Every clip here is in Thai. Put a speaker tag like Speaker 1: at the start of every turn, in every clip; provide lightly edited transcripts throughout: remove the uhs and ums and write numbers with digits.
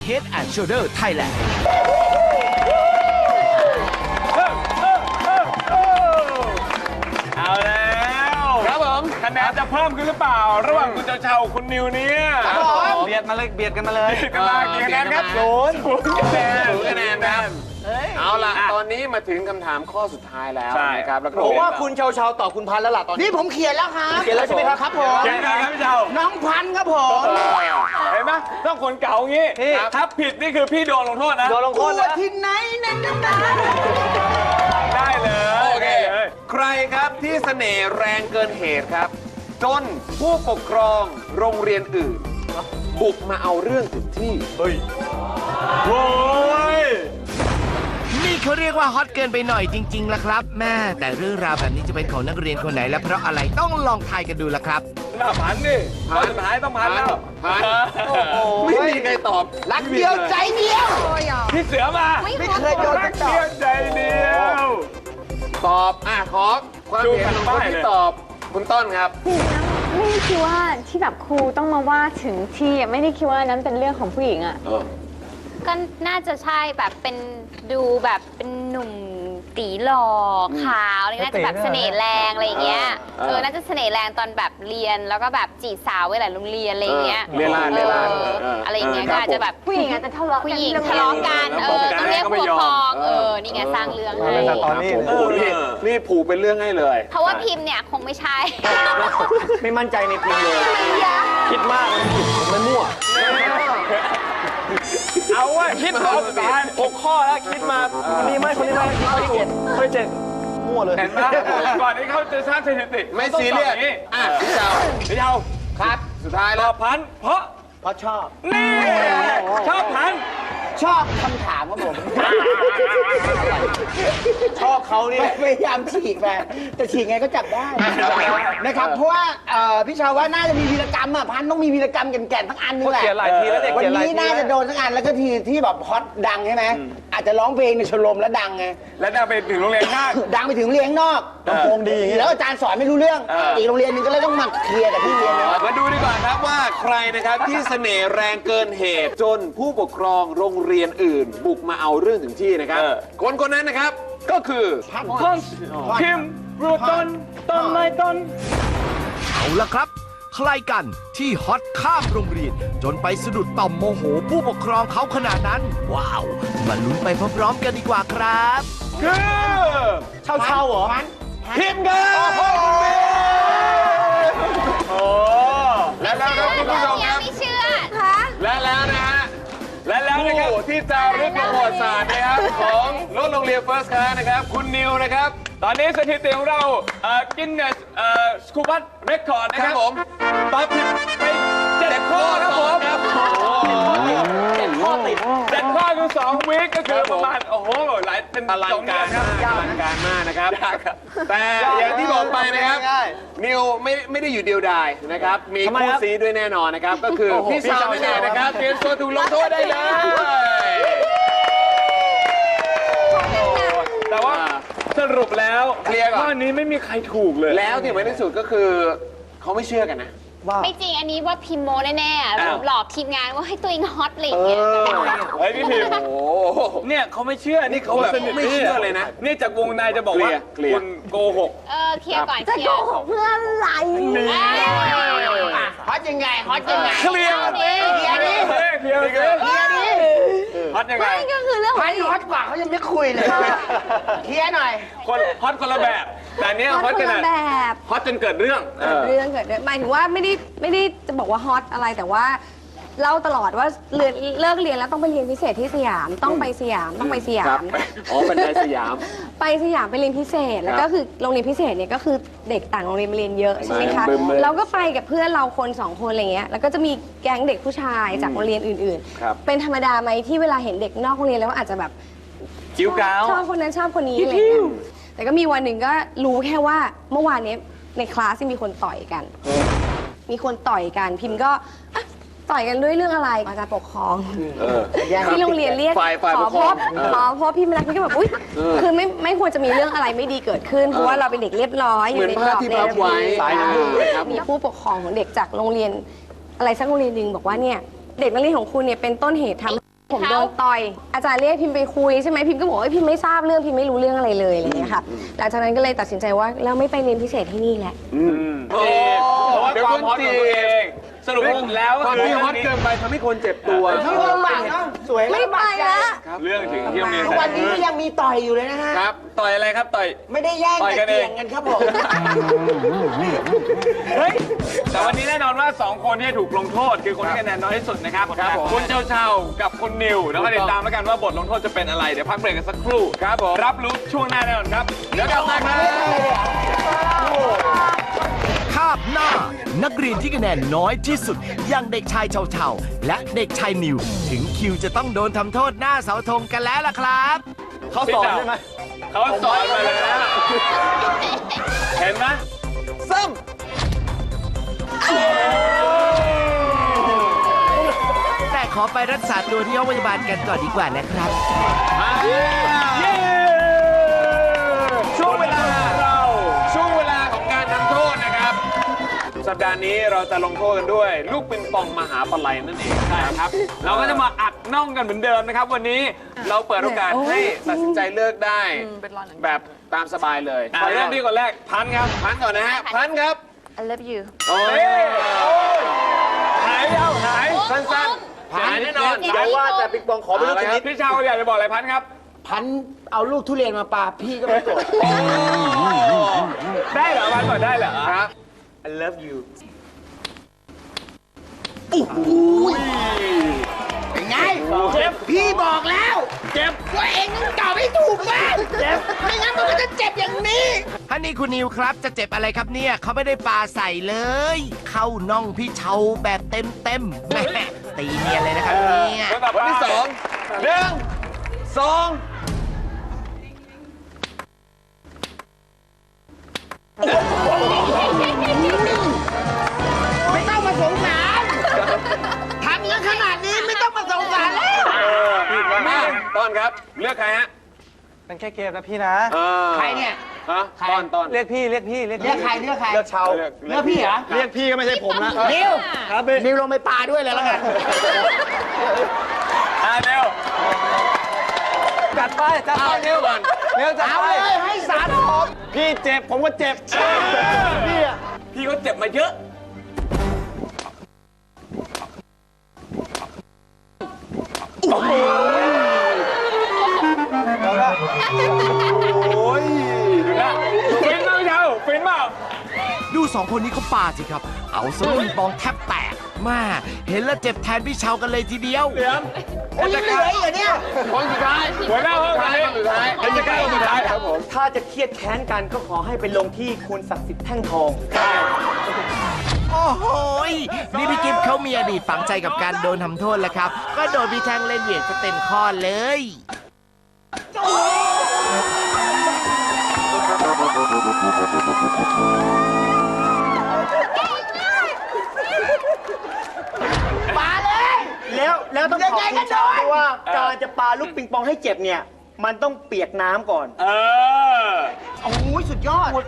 Speaker 1: Head and Shoulder Thailand
Speaker 2: เอาแล้วครับผมคะแนนจะเพิ่มขึ้นหรือเปล่าระหว่างคุณเจ้าคุณนิวเนี่ยเบียดมาเลยเบียดกันมาเลยกันมากี่คะแนนครับศูนย์คะแนนครับเอาล่ะตอนนี้มาถึงคำถามข้อสุดท้ายแล้วนะครับแล้วก็
Speaker 3: ผมว่าคุณเชาตอบคุณพันแล้วล่ะตอนนี้
Speaker 4: นี่ผมเขียนแล้วครับ
Speaker 3: เขียนแล้วใช่ไหมครับผม
Speaker 2: เขียนอะไรครับพี่เจ้า
Speaker 4: น้องพันธุ์ครับผม
Speaker 2: เห็นไหมต้องคนเก่างี้ถ้าผิดนี่คือพี่โดนลงโทษนะ
Speaker 3: โดนลงโทษ
Speaker 4: ตัว
Speaker 3: นะ
Speaker 4: ที่ไหนนั่น
Speaker 2: ได้เลย
Speaker 5: โอเคใครครับที่เสน่ห์แรงเกินเหตุครับ จนผู้ปกครองโรงเรียนอื่น บุกมาเอาเรื่องถึงที่
Speaker 2: โอ้ย
Speaker 1: นี่เขาเรียกว่าฮอตเกินไปหน่อยจริงๆล่ะครับแม่แต่เรื่องราวแบบนี้จะเป็นของนักเรียนคนไหนและเพราะอะไรต้องลองทายกันดูล่ะครับ
Speaker 2: หน้าพันนี่ข้อสุดท้ายต้องพันแล้ว
Speaker 5: พันไม่มีใครตอบ
Speaker 4: รักเดียวใจเดียว
Speaker 2: พี่เสือมา
Speaker 4: ไม่เคยโดน
Speaker 2: รั
Speaker 4: กั
Speaker 2: ก
Speaker 4: นต่อ
Speaker 2: เดียวใจเดียว
Speaker 5: ตอบขอความเห็นของคนที่ตอบคุณต้นครับ
Speaker 6: ไม่ได้คิดว่าที่แบบครูต้องมาว่าถึงที่อะไม่ได้คิดว่านั้นเป็นเรื่องของผู้หญิงอ่ะก็น่าจะใช่แบบเป็นดูแบบเป็นหนุ่มตีหล่อขาวอะไรน่าจะแบบเสน่ห์แรงอะไรอย่างเงี้ยน่าจะเสน่ห์แรงตอนแบบเรียนแล้วก็แบบจีบสาวไว้หลายโรงเรียนอะไรอย่างเงี้ย
Speaker 5: เรียนลาดเรียนลาด
Speaker 6: อะไรอย่างเงี้ยก็อาจจะแบบ
Speaker 7: ผู้หญิงอาจจะทะเลาะ
Speaker 6: ผู้
Speaker 7: กัน
Speaker 6: หญิง
Speaker 7: เรื่อง
Speaker 6: ทะเลาะกันต้องเรียกผู้ปกครองนี่ไงสร้างเรื่องให้
Speaker 3: ตอนนี้
Speaker 5: โอ้โหนี่ผูกเป็นเรื่องให้เลย
Speaker 6: เพราะว่าพิมพ์เนี่ยคงไม่ใช่
Speaker 3: ไม่มั่นใจในพิมพ์เลยคิดมากมันมั่ว
Speaker 2: เอาว่าคิดรอบสุดท้าย
Speaker 3: 6 ข้อแล้วคิดมาคนนี้ไม่คนนี้ไม่ข้อที่7มั่วเลย
Speaker 2: เห็นไหมก่อนที่เขาจะสร้างสถิติ
Speaker 5: ไม่ซีเรียสพี่เจ้า
Speaker 2: พี่เจ้า
Speaker 5: ครับสุดท้าย
Speaker 2: ต
Speaker 5: แล้
Speaker 2: อ
Speaker 5: ว
Speaker 2: บพันเพราะ
Speaker 4: เพราะชอบ
Speaker 2: นี่ชอบพัน
Speaker 4: ชอบคำถามครับผม
Speaker 3: ชอบเขานี่
Speaker 4: พยายามฉีกไปแต่ฉีกไงก็จับได้นะครับเพราะว่าพี่ชาวว่าน่าจะมีวีรกรรมอ่ะพันต้องมีวีรกรรมแก่นๆทั้งอันนึงแหละ
Speaker 3: เขียนหลายทีแล้วเด็ก
Speaker 4: วัน
Speaker 3: เขียนหลาย
Speaker 4: นี้
Speaker 3: ที
Speaker 4: น่าจะโดนทั้งอันแล้วก็ทีที่แบบฮอตดังใช่ไหมอาจจะร้องเพลงในชมรมแล้วดังไง
Speaker 2: แล้วได้ไปถึงโรงเรียนข้าง
Speaker 4: ดังไปถึงเรียนข้างนอก
Speaker 3: ลำโพงดี
Speaker 4: แล้วอาจารย์สอนไม่รู้เรื่องอีกโรงเรียนหนึงก็เลยต้องมาเคลียร์กับที่เรียนนะ
Speaker 5: มาดูดีกว่าครับว่าใครนะครับที่เสน่ห์แรงเกินเหตุจนผู้ปกครองโรงเรียนอื่น บุกมาเอาเรื่องถึงที่นะครับคนนั้นนะครับก็คือ
Speaker 2: ต้นพิมพ์รูต้นต้นไม้ต้น
Speaker 1: เอาละครับ ใครกันที่ฮอตข้ามโรงเรียน จนไปสะดุดต่อมโมโหผู้ปกครองเขาขนาดนั้น ว้าว มาลุ้นไปพร้อมๆกันดีกว่าครับ
Speaker 2: คือ
Speaker 3: เช่าเหรอ
Speaker 2: พิมพ์ครับโอ้และแล้วครับคุณผู้ชมครับ
Speaker 6: ไม่เชื่อ
Speaker 5: และแล้วนะฮะ
Speaker 2: และแล้วนะครับ
Speaker 5: ผู้ที่จะรึกประวัติศาสตร์นะครับของรถโรงเรียน First Class นะครับคุณนิวนะครับ
Speaker 2: ตอนนี้สถิติของเรากินเนสสกูบัตเรคคอร์ดนะ
Speaker 5: ค
Speaker 2: ค
Speaker 5: รั
Speaker 2: รั
Speaker 5: บบ ผม
Speaker 2: ตอบผิดไป7 ข้อครับผม
Speaker 5: ครับโอ้โห
Speaker 3: ข้อติด
Speaker 2: 7 ข้อคือ2วีคก็คือประมาณโอ้โหหลายเป็น
Speaker 5: อลัง
Speaker 2: 2 เดื
Speaker 5: กา
Speaker 2: อ
Speaker 5: ร
Speaker 2: นครับ
Speaker 5: มากอลังการมากนะครับ แต่อย่างที่บอกไปนะครับ นิวไม่ได้อยู่เดียวดายนะครับ มีคู่ซีด้วยแน่นอนนะครับ ก็คือพี่สาวนั่นเองนะครับ เตรียมตัวถูกลงโทษได้เลย
Speaker 2: แต่ว่าสรุปแล้ว
Speaker 5: เคลียร์ก่อน
Speaker 2: ข้อนี้ไม่มีใครถูกเลย
Speaker 5: แล้วที่สำคัญที่สุดก็คือเขาไม่เชื่อกันนะ
Speaker 6: ไม่จริงอันนี้ว่าพิมโมแน่ๆ
Speaker 2: อ้าว
Speaker 6: หลอกทีมงานว่าให้ตัวเองฮอตอะไรอย่างเงี้ย
Speaker 2: เฮ้ยพี่พิมพ์
Speaker 5: โอ้โห
Speaker 2: เนี่ยเขาไม่เชื่อนี่เขาแบบ
Speaker 5: ไม่เชื่อเลยนะ
Speaker 2: นี่จากวงในจะบอกว่า
Speaker 5: เคลียร์
Speaker 2: คุณโกหก
Speaker 6: เคลียร์ก่อน
Speaker 7: จะ
Speaker 6: เคลี
Speaker 7: โก
Speaker 6: ยร์
Speaker 7: หกเพื่ออะไร
Speaker 4: ฮอตยังไงฮอตยังไง
Speaker 2: เคลียร์
Speaker 4: เคลียร์ดิ
Speaker 2: เคลียร์เคลียร์
Speaker 4: เคลียร์ดิ
Speaker 2: ฮอตยังไง
Speaker 7: ไม่ก็คือเรื่องขอ
Speaker 4: พั
Speaker 7: ง
Speaker 4: นฮอตกว่าเขายังไม่คุยเลยเคลียร์หน่อย
Speaker 2: คนฮอตคนละแบบ แต่อันเนี้ยฮอต
Speaker 7: ค
Speaker 2: ข
Speaker 7: น
Speaker 2: นา
Speaker 7: ละ
Speaker 2: ด
Speaker 7: แบบ
Speaker 2: ฮอตจนเกิดเรื่อง
Speaker 7: เรื่องเกิดหมายถึงว่าไม่ได้จะบอกว่าฮอตอะไรแต่ว่าเล่าตลอดว่าเลิกเรียนแล้วต้องไปเรียนพิเศษที่สยามต้องไปสยามต้องไปสยา
Speaker 5: ครับ
Speaker 7: ม
Speaker 5: อ๋อเป็นในสยาม
Speaker 7: ไปสยามไปเรียนพิเศษ แล้วก็คือโรงเรียนพิเศษเนี่ยก็คือเด็กต่างโรงเรียนมาเรียนเยอะใช่ไหมคะ
Speaker 5: บึมเลย
Speaker 7: เราก็ไปกับเพื่อนเราคนสองคนอะไรเงี้ยแล้วก็จะมีแก๊งเด็กผู้ชายจากโรงเรียนอื่น
Speaker 5: ครับ
Speaker 7: ๆ เป็นธรรมดาไหมที่เวลาเห็นเด็กนอกโรงเรียนแล้วอาจจะแบบ
Speaker 2: จิ้วก้าว
Speaker 7: ชอบคนนั้นชอบคนนี้อะไรเงี้ยแต่ก็มีวันหนึ่งก็รู้แค่ว่าเมื่อวานนี้ในคลาสที่มีคนต่อยกัน มีคนต่อยกันพิมพ์ก็อ่ะต่อยกันด้วยเรื่องอะไรอาจารย์ปกครอง ที่โรงเรียนเรียก
Speaker 5: ฝ่ายป
Speaker 7: ข
Speaker 5: ก
Speaker 7: อ
Speaker 5: ครอง
Speaker 7: พบพี่มารักพี่ก็แบบอุ้ยคือไม่ควรจะมีเรื่องอะไรไม่ดีเกิดขึ้นเพราะว่าเราเป็นเด็กเรียบร้อยอยู่ในกรอบ
Speaker 5: เหมือนภาพที่พับไว้
Speaker 7: สายน้ำ
Speaker 5: ครับ
Speaker 7: มีผู้ปกครองของเด็กจากโรงเรียนอะไรสักโรงเรียนหนึ่งบอกว่าเนี่ยเด็กนักเรียนของคุณเนี่ยเป็นต้นเหตุทำผมโดนต่อย อาจารย์เรียกพิมพ์ไปคุยใช่ไหมพิมพ์ก็บอกว่าพิมพ์ไม่ทราบเรื่องพิมพ์ไม่รู้เรื่องอะไรเลยอะไรอย่างเงี้ยค่ะหลังจากนั้นก็เลยตัดสินใจว่าเราไม่ไปเรียนพิเศษที่นี่แหละ
Speaker 2: เพราะว่าความฮอตของตัวเองสรุปแล้ว
Speaker 3: ความที่ฮอตเกินไปทำให้คนเจ็บตัว
Speaker 4: ทั้งลำบากเนาะสวย
Speaker 7: ไม่ไปละ
Speaker 2: เรื่องถึงที่โรงเรียน
Speaker 4: ทุกวันนี้ก็ยังมีต่อยอยู่เลยนะฮะ
Speaker 2: ครับต่อยอะไรครับต่อย
Speaker 4: ไม่ได้แย่ง
Speaker 2: ต่อยกั
Speaker 4: แต่
Speaker 2: นเอง
Speaker 4: เกี่ยงกันครับผม
Speaker 2: เฮ้ยแต่วันนี้แน่นอนว่า 2 คนที่ถูกลงโทษคือคนที่คะแนนน้อยที่สุดนะครับคุณเจ้าเช่ากับคุณนิวแล้วก็ติดตามแล้วกันว่าบทลงโทษจะเป็นอะไรเดี๋ยวพักเบรกกันสักครู่ครับผมรับรู้ช่วงหน้าแน่นอนครับเดี๋ยวกลับมาครับ
Speaker 1: คาบหน้า นักเรียนที่คะแนนน้อยที่สุด อย่างเด็กชายเฉาๆและเด็กชายนิว ถึงคิวจะต้องโดนทำโทษหน้าเสาธงกันแล้วล่ะครับ
Speaker 3: เขาสอนใช่ไหม
Speaker 2: เขาสอนมาแล้ว เห็นไหม
Speaker 3: ซ้ำ
Speaker 1: แต่ขอไปรักษาตัวที่ห้องพยาบาลกันก่อนดีกว่านะครับ
Speaker 2: ช่วงเวลาของการทำโทษนะครับ สัปดาห์นี้เราจะลงโทษกันด้วย ลูกปิงปองมหาปลัยนั่นเองใช่ครับ เราก็จะมาอัดน่องกันเหมือนเดิมนะครับ วันนี้เราเปิดโอกาสให้ตัดสินใจเลือกได้แบบตามสบายเลยเริ่มที่คนแรกพันครับพันก่อนนะฮะพันครับ
Speaker 6: I love you
Speaker 2: โอ้ยหายสั้นๆหายแน่นอน
Speaker 3: เดี๋ยวว่าแต่ปิงปองขอไปลูกชนิด
Speaker 2: พี่ชาวอยากจะบอกอะไรพันครับ
Speaker 4: พันเอาลูกทุเรียนมาปาพี่ก็ไม่โกรธ
Speaker 2: ได้เหรอพันก่อนได้เหรอครับ
Speaker 3: I love you
Speaker 4: เป็นไงเจ็บพี่บอกแล้วเจ็บว่าเองต้องตอบให้ถูกบ้างเจ็บไม่งั้นมันก็จะเจ็บอย่างนี้
Speaker 1: ฮันนี่คุณนิวครับจะเจ็บอะไรครับเนี่ยเขาไม่ได้ปาใส่เลย เข้าน่องพี่เชาแบบเต็มๆแม่ตีเนียนเลยนะครับเนี่ย
Speaker 2: คนที่สองหนึ่งสอง
Speaker 4: ไม่ต้องมาสงสารทำกันขนาดนี้ไม่ต้องมาสงสารแล้ว
Speaker 2: มาต้นครับเลือกใครฮะ
Speaker 3: เป็นแค่เกมนะพี่นะ
Speaker 4: ใครเนี่ย
Speaker 2: ฮะต้น
Speaker 3: เรียกพี่
Speaker 4: เลือกใครเลือกใคร
Speaker 3: เลือกเชา
Speaker 4: เลือกพี่เหรอ
Speaker 3: เรียกพี่ก็ไม่ใช่ผมนะ
Speaker 4: นิว
Speaker 3: ครับพี่
Speaker 4: นิวลงไปปาด้วยเลยแล้วกัน
Speaker 2: เร็ว
Speaker 3: จัดไปเร็วก่อนเร็วจัด
Speaker 4: เอา
Speaker 3: ไป
Speaker 4: เลยให้สารผม
Speaker 3: พี่เจ็บผมก็เจ็บพี่อะ
Speaker 2: พี่เขาเจ็บมาเยอะ
Speaker 3: โอ้ย
Speaker 2: ดูนะฟินเปล่าพี่เชาฟินเปล่า
Speaker 1: ดูสองคนนี้เขาปาสิครับ เอาสลูกปิงปองแทบแตกมาเห็นแล้วเจ็บแทนพี่เชากันเลยทีเดียว
Speaker 4: โอ้ยยังเหลืออีกเหรอเนี่ย
Speaker 2: คนสุดท้ายหัวหน้าห้องคนสุดท้ายเป็นจะใกล้คนสุดท้ายครับผม
Speaker 3: ถ้าจะเครียดแค้นกันก็ขอให้ไปลงที่คุณศักดิ์สิทธิ์แท่งทอง
Speaker 1: โอ้โหยนี่พี่กิฟต์เขามีอดีตฝังใจกับการโดนทำโทษแล้วครับ ก็โดนพี่แท่งเล่นเหวี่ยงซะเต็มข้อเลย
Speaker 4: ปาเลย
Speaker 3: แล้วต้องขอบ
Speaker 4: ยังไงก็
Speaker 3: คุณเชา
Speaker 4: โดน
Speaker 3: ด้วยว่าการจะปาลูกปิงปองให้เจ็บเนี่ย มันต้องเปียกน้ำก่อน
Speaker 2: เออ
Speaker 4: โอ้ยสุดยอด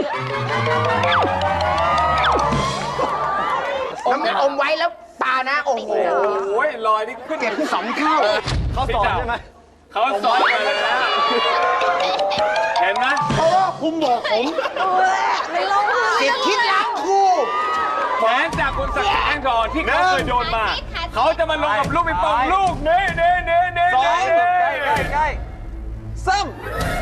Speaker 4: อมไว้แล้วปานะ โอ้โห
Speaker 2: โอ้ยลอยนี่ขึ้น
Speaker 4: เจ็บสองเท่า
Speaker 3: เขาสอนใช่ไหม
Speaker 2: เขาสอนมาแล้วเห็นไหม
Speaker 4: เพราะว่าคุณบอกผม
Speaker 7: ไม่ร้องไห้
Speaker 4: สิทธิ์คิดล้างครู
Speaker 2: แขนจากคุณศักดิ์สิทธิ์แท่งทองที่เขาเคยโดนมา เขาจะมาลงกับลูกปิงปองลูกนี่
Speaker 3: สองใกล้ซ้ำ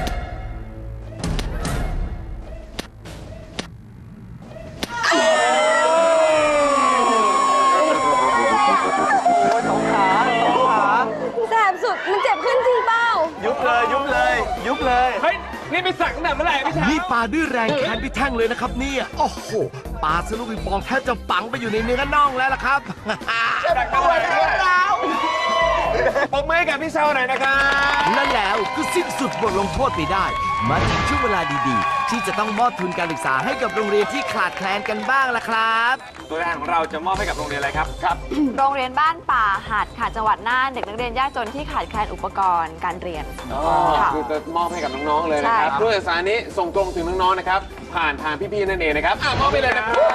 Speaker 3: สองขา
Speaker 7: แสบสุดมันเจ็บขึ้นจริงเปล่า
Speaker 3: ยุบเลย
Speaker 2: เฮ้ย นี่ไปสักตั้งแต่เมื่อไหร่พี่ชาย
Speaker 1: นี่ปาด้วยแรงแขนพี่แท่งเลยนะครับเนี่ยโอ้โหปาสลูกปิงปองแทบจะฝังไปอยู่ในเนื้อน่องแล้วล่ะครับ
Speaker 2: สักตั้งแต่เมื่อไหร่ปมมือให้กับพี่เชาหน่อยนะครับ
Speaker 1: และแล้วก็สิ้นสุดบทลงโทษไปได้ มาถึงช่วงเวลาดีๆ ที่จะต้องมอบทุนการศึกษาให้กับโรงเรียนที่ขาดแคลนกันบ้างล่ะครับ
Speaker 2: ตัวแทนของเราจะมอบให้กับโรงเรียนอะไรครับ ครับ
Speaker 8: โรงเรียนบ้านป่าหัดค่ะจังหวัดน่านเด็กนักเรียนยากจนที่ขาดแคลนอุปกรณ์การเรียนค่ะ
Speaker 2: คือจะมอบให้กับน้องๆเลยนะครับ
Speaker 8: ใช่
Speaker 2: ทุนการศึกษานี้ส่งตรงถึงน้องๆนะครับ ผ่านทางพี่ๆนั่นเองนะครับมอบไปเลยนะครับ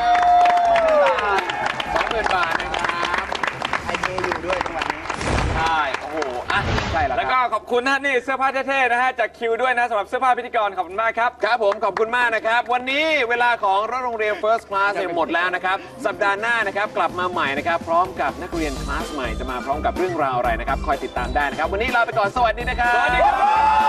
Speaker 2: 20,000 บาทนะครับ
Speaker 4: ไอเทอยู่ด้วยจังหวัดนี้
Speaker 2: ใช่
Speaker 5: ช่แล้ว
Speaker 2: แล้วก็ขอบคุณนะนี่เสื้อผ้าเท่ๆนะฮะจากคิวด้วยนะสำหรับเสื้อผ้าพิธีกรขอบคุณมากครับ
Speaker 5: ครับผมขอบคุณมากนะครับ วันนี้เวลาของรถโรงเรียน First Class เนี่ยหมดแล้วนะครับ สัปดาห์หน้านะครับกลับมาใหม่นะครับ พร้อมกับนักเรียนคลาสใหม่จะมาพร้อมกับเรื่องราวอะไรนะครับ คอยติดตามได้นะครับ วันนี้ลาไปก่อนสวัสดีนะครับ
Speaker 2: สวัสดีครับ